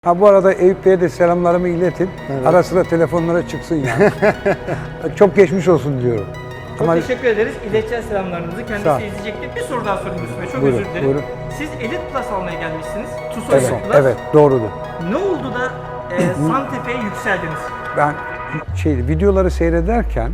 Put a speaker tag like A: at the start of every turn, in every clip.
A: Ha bu arada Eyüp Bey'e de selamlarımı iletin.
B: Evet.
A: Ara sıra telefonlara çıksın yani. Çok geçmiş olsun diyorum.
C: Çok teşekkür ederiz. İleteceğiz selamlarınızı.
A: Sağ ol.
C: Kendisi izleyecektir. Bir soru daha sorayım Yusuf Bey. Çok
A: Buyurun,
C: özür dilerim.
A: buyurun.
C: Siz Elite Plus almaya gelmişsiniz. TUSO
A: Evet,
C: Elite Plus.
A: evet doğrudur.
C: Ne oldu da Santefe'ye yükseldiniz?
A: Ben videoları seyrederken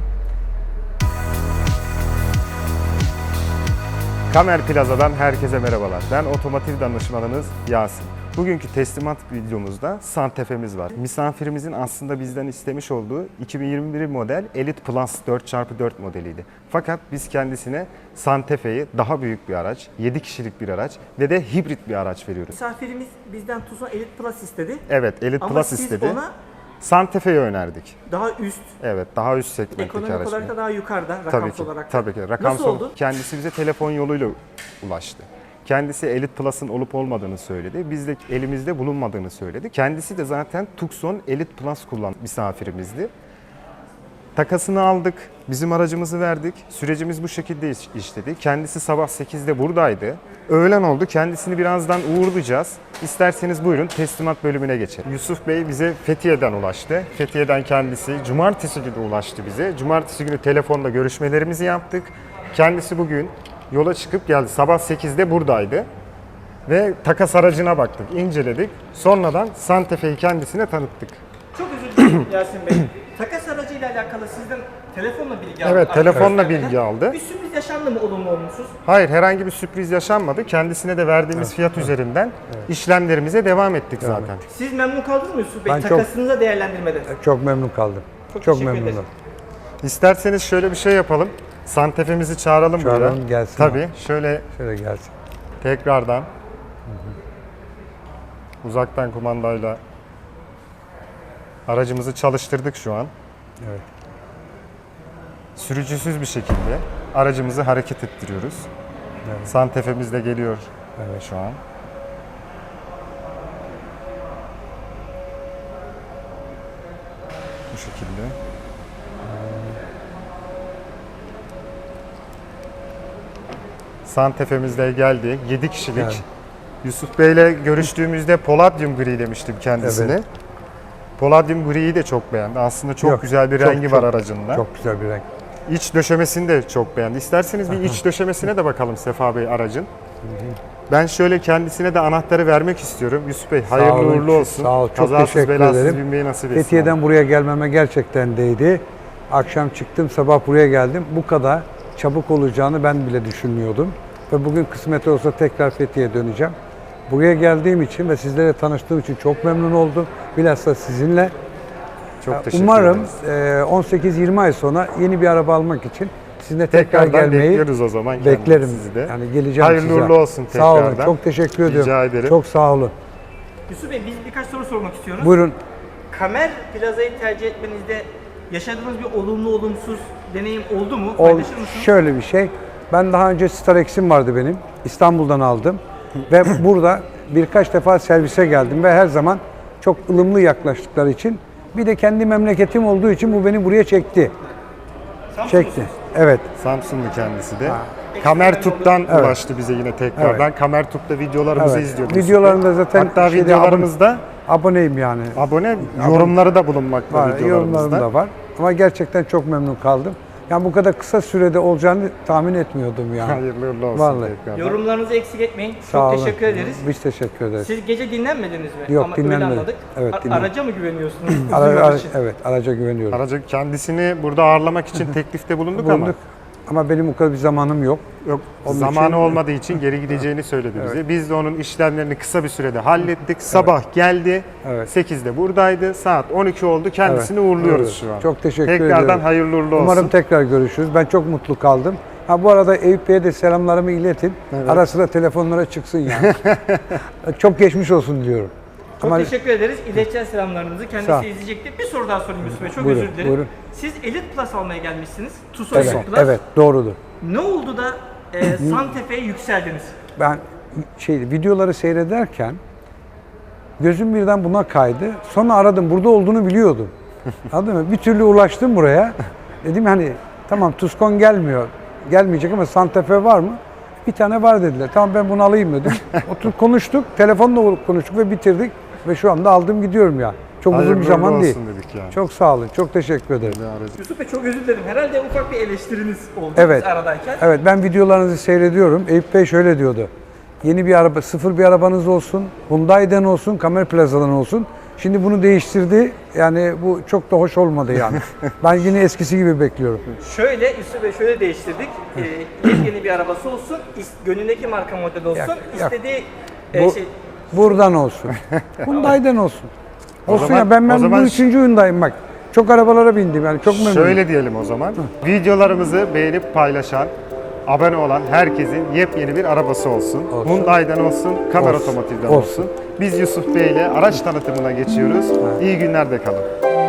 B: Kamer Plaza'dan herkese merhabalar. Ben otomotiv danışmanınız Yasin. Bugünkü teslimat videomuzda Santefe'miz var. Misafirimizin aslında bizden istemiş olduğu 2021 model Elite Plus 4x4 modeliydi. Fakat biz kendisine Santefe'yi daha büyük bir araç, 7 kişilik bir araç ve de hibrit bir araç veriyoruz.
C: Misafirimiz bizden TUSO Elite Plus istedi.
B: Evet, Elite
C: Ama
B: Plus
C: siz
B: istedi.
C: ona
B: Santefe'yi önerdik.
C: daha üst,
B: Evet, daha üst segmentteki
C: ekonomik
B: araç.
C: olarak da daha yukarıda,
B: Tabii
C: rakamsal
B: ki,
C: olarak da.
B: tabii ki.
C: Nasıl
B: Rakamsal.
C: oldu?
B: Kendisi bize telefon yoluyla ulaştı. Kendisi Elite Plus'ın olup olmadığını söyledi. Biz de elimizde bulunmadığını söyledi. Kendisi de zaten Tucson Elite Plus kullanan misafirimizdi. Takasını aldık, bizim aracımızı verdik. Sürecimiz bu şekilde işledi. Kendisi sabah 8'de buradaydı. Öğlen oldu. Kendisini birazdan uğurlayacağız. İsterseniz buyurun teslimat bölümüne geçelim. Yusuf Bey bize Fethiye'den ulaştı. Fethiye'den kendisi cumartesi günü ulaştı bize. Cumartesi günü telefonla görüşmelerimizi yaptık. Kendisi bugün yola çıkıp geldi. Sabah 8'de buradaydı. Ve takas aracına baktık, inceledik. Sonradan Santefe'yi kendisine tanıttık.
C: Çok özür dilerim Yasin Bey. Takas aracıyla alakalı sizden telefonla bilgi aldı.
B: Evet, telefonla
C: arkadaşlar.
B: bilgi aldı.
C: Bir sürpriz yaşandı mı olumlu olumsuz?
B: Hayır, herhangi bir sürpriz yaşanmadı. Kendisine de verdiğimiz fiyat üzerinden işlemlerimize devam ettik zaten.
C: Siz memnun kaldınız mı Yusuf Bey?
A: Ben çok-
C: Takasınıza değerlendirmede.
A: çok memnun kaldım.
C: Çok
A: Çok
C: teşekkür
A: memnunum.
C: ederim.
B: İsterseniz şöyle bir şey yapalım. Santefe'mizi çağıralım buraya.
A: Çağıralım, gelsin.
B: Tabii, şöyle
A: Şöyle gelsin.
B: tekrardan uzaktan kumandayla aracımızı çalıştırdık şu an.
A: Evet.
B: Sürücüsüz bir şekilde aracımızı hareket ettiriyoruz.
A: Evet.
B: Santefe'miz de geliyor
A: Evet.
B: şu an. Bu şekilde. Santefe'miz de geldi. 7 kişilik.
A: Evet.
B: Yusuf Bey'le görüştüğümüzde Palladium gri demiştim kendisine.
A: Evet.
B: Palladium griyi de çok beğendi. Aslında çok
A: Yok,
B: güzel bir
A: çok,
B: rengi
A: çok,
B: var aracında.
A: Çok güzel bir renk.
B: İç döşemesini de çok beğendi. İsterseniz bir iç döşemesine de bakalım Sefa Bey aracın. Ben şöyle kendisine de anahtarı vermek istiyorum. Yusuf Bey hayırlı
A: Sağ olun,
B: uğurlu olsun.
A: Sağ ol, çok
B: Kazasız
A: teşekkür
B: belasız
A: ederim.
B: binmeyi nasip etsin.
A: Fethiye'den buraya gelmeme gerçekten değdi. Akşam çıktım, sabah buraya geldim. Bu kadar çabuk olacağını ben bile düşünmüyordum. Ve bugün kısmet olsa tekrar Fethiye'ye döneceğim. Buraya geldiğim için ve sizlerle tanıştığım için çok memnun oldum. Bilhassa sizinle.
B: Çok teşekkür
A: Umarım
B: ederiz.
A: 18-20 ay sonra yeni bir araba almak için sizinle tekrar
B: Tekrardan
A: gelmeyi
B: bekliyoruz o zaman
A: beklerim.
B: sizi de.
A: Yani geleceğim
B: Hayırlı
A: size.
B: uğurlu olsun
A: Sağ olun,
B: tekrardan.
A: çok teşekkür ediyorum.
B: Rica ederim.
A: Çok sağ olun.
C: Yusuf Bey biz birkaç soru sormak istiyoruz.
A: Buyurun.
C: Kamer Plaza'yı tercih etmenizde yaşadığınız bir olumlu olumsuz deneyim oldu mu? Paylaşır mısınız?
A: Şöyle bir şey. Ben daha önce Starex'im vardı benim. İstanbul'dan aldım. Ve burada birkaç defa servise geldim ve her zaman çok ılımlı yaklaştıkları için. Bir de kendi memleketim olduğu için bu beni buraya çekti. Çekti. Evet.
B: Samsunlu kendisi de. Kamertup'tan ulaştı bize yine tekrardan. Kamertup'ta videolarımızı
A: Evet.
B: izliyordu.
A: Videolarında zaten
B: Hatta
A: şeyde
B: videolarımızda
A: Aboneyim yani.
B: yorumları da bulunmakta
A: Var, yorumlarım
B: videolarımızda.
A: da var. Ama gerçekten çok memnun kaldım. Yani bu kadar kısa sürede olacağını tahmin etmiyordum yani.
B: Hayırlı uğurlu olsun
A: Vallahi.
B: tekrardan.
C: Yorumlarınızı eksik etmeyin.
A: Sağ
C: Çok
A: olun.
C: teşekkür ederiz.
A: Biz teşekkür ederiz.
C: Siz gece dinlenmediniz mi?
A: Yok,
C: Ama öyle
A: dinlenmedim.
C: anladık.
A: Evet, dinlenmedim.
C: Araca mı güveniyorsunuz?
A: Evet, araca güveniyorum.
B: Aracı kendisini burada ağırlamak için teklifte bulunduk ama
A: Ama benim o kadar bir zamanım yok.
B: yok,
A: Onun
B: zamanı
A: için-
B: olmadığı için geri gideceğini söyledi bize. Biz de onun işlemlerini kısa bir sürede hallettik. Sabah geldi.
A: Evet.
B: 8'de buradaydı. Saat 12 oldu. Kendisini
A: Evet,
B: uğurluyoruz
A: evet.
B: şu an.
A: Çok teşekkür ediyorum.
B: Tekrardan hayırlı uğurlu olsun.
A: Umarım tekrar görüşürüz. Ben çok mutlu kaldım. Ha bu arada Eyüp Bey'e de selamlarımı iletin.
B: Evet.
A: Ara sıra telefonlara çıksın yani. Çok geçmiş olsun diyorum.
C: Çok teşekkür ederiz. İleteceğiz selamlarınızı.
A: Sağ ol.
C: Kendisi izleyecektir. Bir soru daha sorayım Yusuf Bey. Çok
A: Buyurun,
C: özür dilerim.
A: buyurun.
C: Siz Elite Plus almaya gelmişsiniz. TUSO
A: Evet,
C: Elite Plus.
A: evet doğrudur.
C: Ne oldu da Santefe'ye yükseldiniz?
A: Ben videoları seyrederken gözüm birden buna kaydı. Sonra aradım. Burada olduğunu biliyordum. Anladın mı? Bir türlü ulaştım buraya. Dedim hani tamam Tucson gelmiyor. Gelmeyecek ama Santa Fe var mı? Bir tane var dediler. Tamam ben bunu alayım dedim. Oturup konuştuk. Telefonla konuştuk ve bitirdik. Ve şu anda aldım gidiyorum ya. Çok uzun bir
B: Hayırlı
A: zaman
B: uğurlu
A: değil.
B: olsun dedik yani.
A: Çok sağ olun. Çok teşekkür ederim.
C: Yusuf Bey çok özür dilerim. Herhalde ufak bir eleştiriniz oldu
A: Evet.
C: biz aradayken.
A: Evet, ben videolarınızı seyrediyorum. Eyüp Bey şöyle diyordu. Yeni bir araba, sıfır bir arabanız olsun, Hyundai'den olsun, Kamer Plaza'dan olsun. Şimdi bunu değiştirdi. Yani bu çok da hoş olmadı yani. Ben yine eskisi gibi bekliyorum.
C: Şöyle Yusuf Bey şöyle değiştirdik. Yeni bir arabası olsun, gönlündeki marka model olsun,
A: Yak.
C: istediği
A: Bu-
C: şey...
A: Buradan olsun. Hyundai'den olsun. Olsun
B: zaman-
A: ya ben
B: o zaman
A: bu üçüncü Hyundai'm bak. Çok arabalara bindim yani çok memnunum.
B: Şöyle diyelim o zaman. Videolarımızı beğenip paylaşan, abone olan herkesin yepyeni bir arabası olsun.
A: Olsun.
B: Hyundai'den olsun, Kamer
A: Olsun.
B: Otomotiv'den
A: Olsun.
B: olsun. Biz Yusuf Bey ile araç tanıtımına geçiyoruz. İyi günler de kalın.